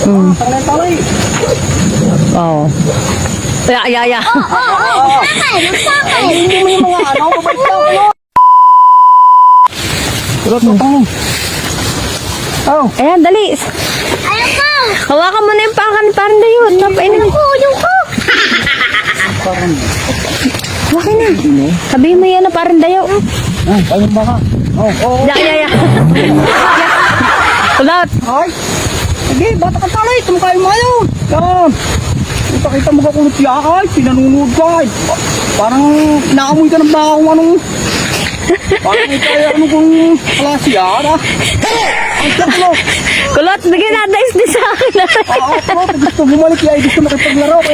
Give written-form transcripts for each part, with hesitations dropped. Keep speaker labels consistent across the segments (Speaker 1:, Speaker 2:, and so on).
Speaker 1: Talay.
Speaker 2: Oo. Ya.
Speaker 1: Hindi mo yung mga ano, babalik lang kayo. Kulot, utang. Oh.
Speaker 2: Ayan, dali.
Speaker 3: Ayaw ko!
Speaker 2: Hawakan mo na yung pangkan ni parang dayot. Napainin mo.
Speaker 3: Yung ko!
Speaker 1: Parang.
Speaker 2: Hawakin na. Sabihin mo yan na parang dayo.
Speaker 1: Ayun ba ka? Oh.
Speaker 2: Ya. Kulot.
Speaker 1: Ay. Sige, bata ka talay. Tumukay mo ayaw. Yan. Kita mo ka kulot siya ay. Pinanunod ka ay. Parang naamoy ka ng baka kung anong. Parang ikaw ano kung kalasiya na. Ay, kulot.
Speaker 2: Kulot, bigyan na dice din sa akin.
Speaker 1: Oo, kulot. Gusto bumalik yan. Gusto makipaglaro. Kaya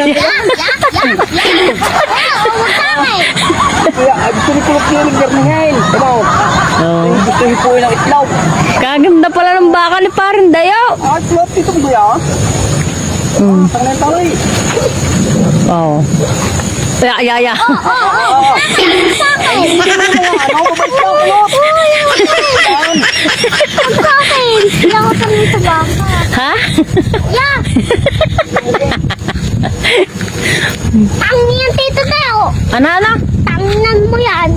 Speaker 1: gusto ni kulot niya naggarningin. Ano? Gusto hipuin ang itlog.
Speaker 2: Kaganda pala ng baka ni parang dayo.
Speaker 1: Ay, kulot. Dito mo ba yan? Tangan talay.
Speaker 2: Oo. Ya. Ha?
Speaker 3: Yeah! Tanginan tito tayo!
Speaker 2: Ano?
Speaker 3: Tanginan mo yan!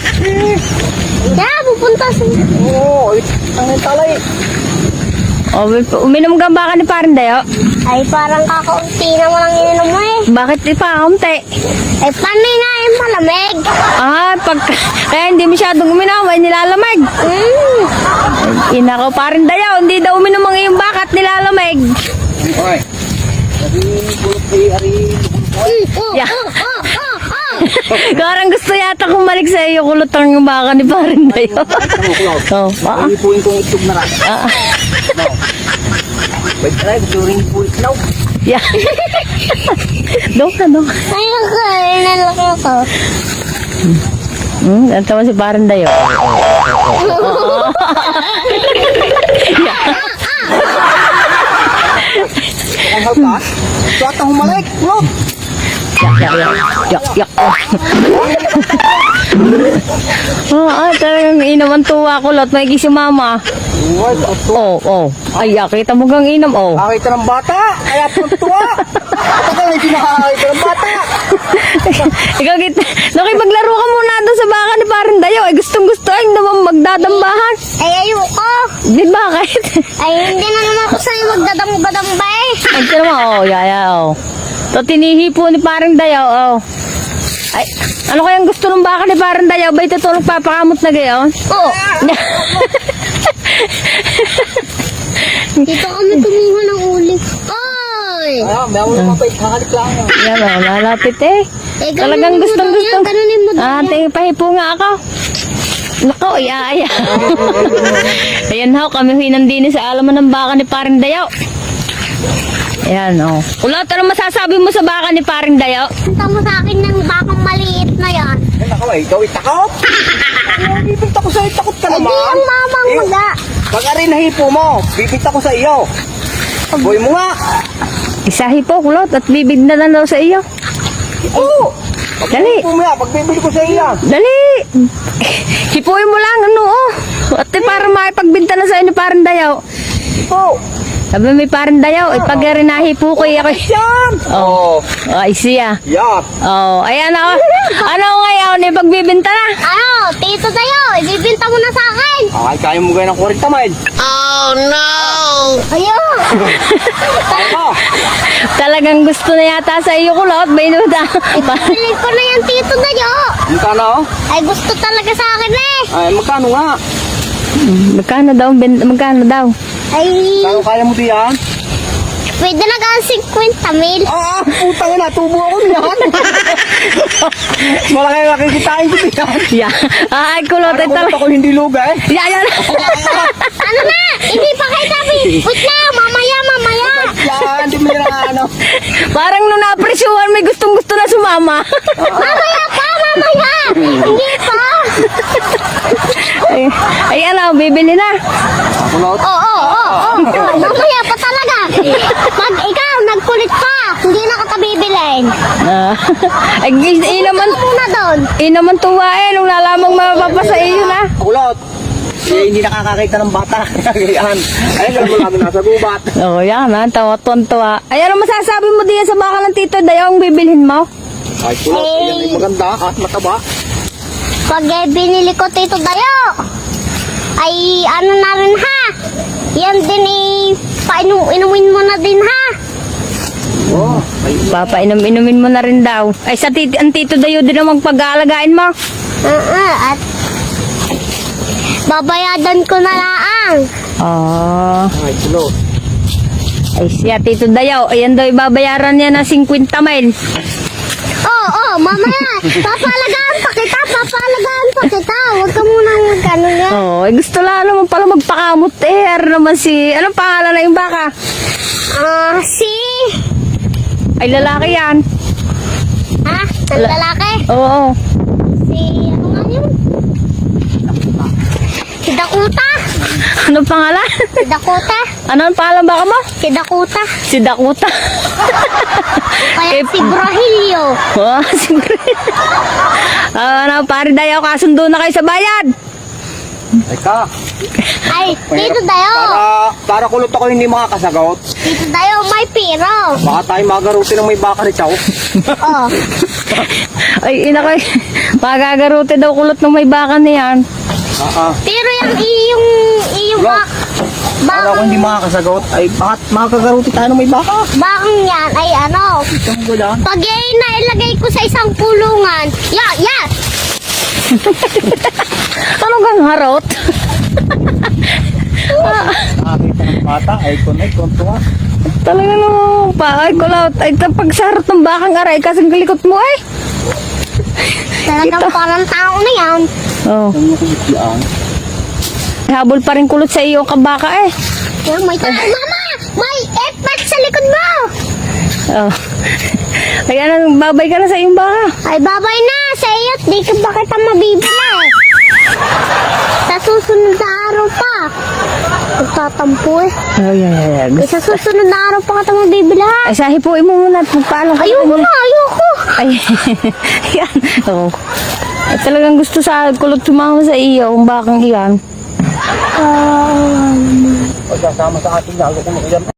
Speaker 3: Yeah, pupunta sa...
Speaker 1: Oo, tangan talay.
Speaker 2: O, uminom ka baka ni parang dayo?
Speaker 3: Ay, parang kakaunti na mo lang ininom mo eh.
Speaker 2: Bakit di pa kaunti?
Speaker 3: Eh, paano nga yung malamig?
Speaker 2: Kaya hindi masyadong uminom, ay nilalamig. Ina ko parang dayo, hindi daw uminom ang iyong baka at nilalamig.
Speaker 1: Okay. Sabi, kulot kay Ari.
Speaker 2: Yeah. Karang gusto yata kumalik sa iyo, kulot ang baka ni parang dayo. Oh,
Speaker 1: Ay, hipuin kong itlog na rin. Wait, try. Gusto rin hipuin itlog.
Speaker 2: Yeah. Dok.
Speaker 3: Ayun ko, inalak ako.
Speaker 2: Ang tama si parang dayo.
Speaker 1: Ang halka. Suat ang humalik. Kulot.
Speaker 2: Yak. Talagang inom ang tuwa kulot, may si mama.
Speaker 1: Uwag, oto.
Speaker 2: Oh. Ay, kita mo gang inom, oh.
Speaker 1: Nakakita ng bata. Kaya tuwa. Tagal na hindi nakakita ng bata.
Speaker 2: Ikaw, nakipaglaro ka muna doon sa baka ni parang dayo. Ay, gustong-gusto ay naman magdadambahan.
Speaker 3: Ay, ayoko.
Speaker 2: Di bakit?
Speaker 3: Ay, hindi na naman ako sa'yo magdadamba-damba eh.
Speaker 2: Ay, ito naman, oh, yaya, oh. To, tinihipo ni parang dayo, oh. Ay, ano kayang gusto ng baka ni parang dayo? Ba ito tulog papakamot na gayon?
Speaker 3: Oo. Dito kami kumuha ng uling. Oy!
Speaker 1: Ay, may ako mapait. Kakalik lang.
Speaker 2: Yan, oh, malapit eh. Talagang gustong-gusto.
Speaker 3: Ganunin mo daw yan.
Speaker 2: Tingin pahipo nga ako. Nako, iya. Ayan ho, kami hinandini sa alaman ng baka ni parang dayo. Ayan, oh. Kulot, ano masasabi mo sa baka ni parang dayo?
Speaker 3: Punta mo sa akin ng bakang maliit na yan.
Speaker 1: Ay, nako eh. Ikaw itakot. Ay, bibigta ko sa'yo. Takot ka
Speaker 3: Ay,
Speaker 1: naman.
Speaker 3: di ang mamang maga.
Speaker 1: Pag arin nahipo mo, bibigta ko sa iyo. Boy mo nga.
Speaker 2: Isahi po, kulot, at bibig na lang daw sa iyo.
Speaker 1: Oo.
Speaker 2: Dali.
Speaker 1: Hipo mo nga, pag bibili ko sa iyo.
Speaker 2: Dali! Hipuin mo lang, ano, oh. At para makipagbinta na sa inyo parang dayaw.
Speaker 1: Oo.
Speaker 2: Sabi may parang dayaw, pag rin nahipo ko, ako.
Speaker 1: Yan.
Speaker 2: Oh, ay siya.
Speaker 1: Yan.
Speaker 2: Oh, ayan ako. Ano ngayon, pagbibinta na?
Speaker 3: Ano, tito tayo, ibibinta mo na sa akin.
Speaker 1: Ay, kaya mo gaya ng 40 mile.
Speaker 3: Ayun.
Speaker 1: Oh.
Speaker 2: Talagang gusto na yata sa iyo, kulot. Bayuda.
Speaker 3: Bili ko na yan, tito tayo.
Speaker 1: Magkano?
Speaker 3: Ay, gusto talaga sa akin eh.
Speaker 1: Ay, magkano nga?
Speaker 2: Magkano daw?
Speaker 3: Ay,
Speaker 1: Kano kaya mo diyan?
Speaker 3: pwede na ka 50 mil.
Speaker 1: Ah, putang ina, tubo ako niyan. Malaki makikitain ko diyan.
Speaker 2: Yeah. Ay, kulot. Ay,
Speaker 1: Parang
Speaker 2: talaga.
Speaker 1: ako hindi luga eh.
Speaker 2: Yeah.
Speaker 3: Ano na? Hindi pa kayo sabi. Wait na, mamaya.
Speaker 1: Yan, hindi mo na ano.
Speaker 2: Parang nung na-apresyuhan, may gustong-gusto na sumama.
Speaker 3: Mamaya. Hindi pa.
Speaker 2: Ay, ano, bibili na.
Speaker 1: Kulot.
Speaker 3: Oo. Mamaya pa talaga. Pag ikaw, nagkulit pa, hindi na kita bibilin.
Speaker 2: Ay,
Speaker 3: Muna doon.
Speaker 2: naman tuwa eh, nung nalamang mapapasa iyo na.
Speaker 1: Kulot. Eh, hindi nakakakita ng bata. Ganyan. Ayun, alam mo lagi nasa gubat.
Speaker 2: Oo, yan ha. Tawa-tuwa. Ay, ano masasabi mo diyan sa baka ng Tito Dayaw ang bibilhin mo?
Speaker 1: Ay, kulot. Ayan ay maganda at mataba.
Speaker 3: Pag binili ko Tito Dayo, ay ano na rin ha. Yan din inumin mo na din ha.
Speaker 1: Oh, ay,
Speaker 2: Papainom-inumin mo na rin daw. Ay, ang Tito Dayaw din ang magpag-aalagaan mo.
Speaker 3: At babayadan ko na lang.
Speaker 2: Oh.
Speaker 1: ay, kulot.
Speaker 2: Ay, siya, Tito Dayaw. Ayan daw, ibabayaran niya ng 50 mil.
Speaker 3: Oo, mamaya. Papalagaan pa kita. Huwag ka muna magkano yan.
Speaker 2: Oo, ay gusto lang naman pala magpakamot eh. Ano naman si, anong pangalan na yung baka? Ay, lalaki yan.
Speaker 3: Ha? Ang lalaki?
Speaker 2: Oo.
Speaker 3: Si, ano nga yun? Si Dakota.
Speaker 2: Anong pangalan?
Speaker 3: Si Dakota.
Speaker 2: Ano ang pangalan baka mo?
Speaker 3: Si Dakota.
Speaker 2: Si Dakota.
Speaker 3: Kaya si Brahilio.
Speaker 2: Oh, siguro. Ano, pare Dayaw, kasundo na kayo sa bayad.
Speaker 1: Teka.
Speaker 3: Ay, Tito Dayo.
Speaker 1: Para kulot ako hindi makakasagot.
Speaker 3: Tito Dayo, may piro.
Speaker 1: Baka tayo magaruti ng may baka ni Chow.
Speaker 3: Oh.
Speaker 2: Ay, ina ko. Magagarote daw kulot ng may baka niyan.
Speaker 3: Pero yung iyong
Speaker 1: Wala. Para ako hindi makakasagot, ay bakit makakagaruti tayo ng may baka?
Speaker 3: bakang yan ay ano,
Speaker 1: Itong gula.
Speaker 3: pag yan nailagay ko sa isang pulungan, yes!
Speaker 2: Anong kang harot?
Speaker 1: Nakakita ng bata, ay kontuwa.
Speaker 2: Talaga naman pa. Ay, kulot. Ay, pag sa harot ng bakang aray, kasing kalikot mo eh.
Speaker 3: Talagang parang tao na yan.
Speaker 2: Oo.
Speaker 1: Ang nakikit yan.
Speaker 2: Habol pa rin kulot sa iyo ang kabaka eh.
Speaker 3: Yan, may tao. Mama! May effect sa likod mo!
Speaker 2: Oh. Kaya nang babay ka na sa iyong baka.
Speaker 3: Ay, babay na sa iyo. Di ka ba kita mabibili? Sa susunod na araw pa. Magtatampo eh.
Speaker 2: Ay.
Speaker 3: Sa susunod na araw pa kita mabibili ha.
Speaker 2: Ay, sahipuin mo muna at magpaalam ka.
Speaker 3: Ayoko na, ayoko.
Speaker 2: Ay, yan. Oo. At talagang gusto sa kulot sumama sa iyo ang bakang iyan.
Speaker 1: Pagkasama sa ating lalo kung makiyan.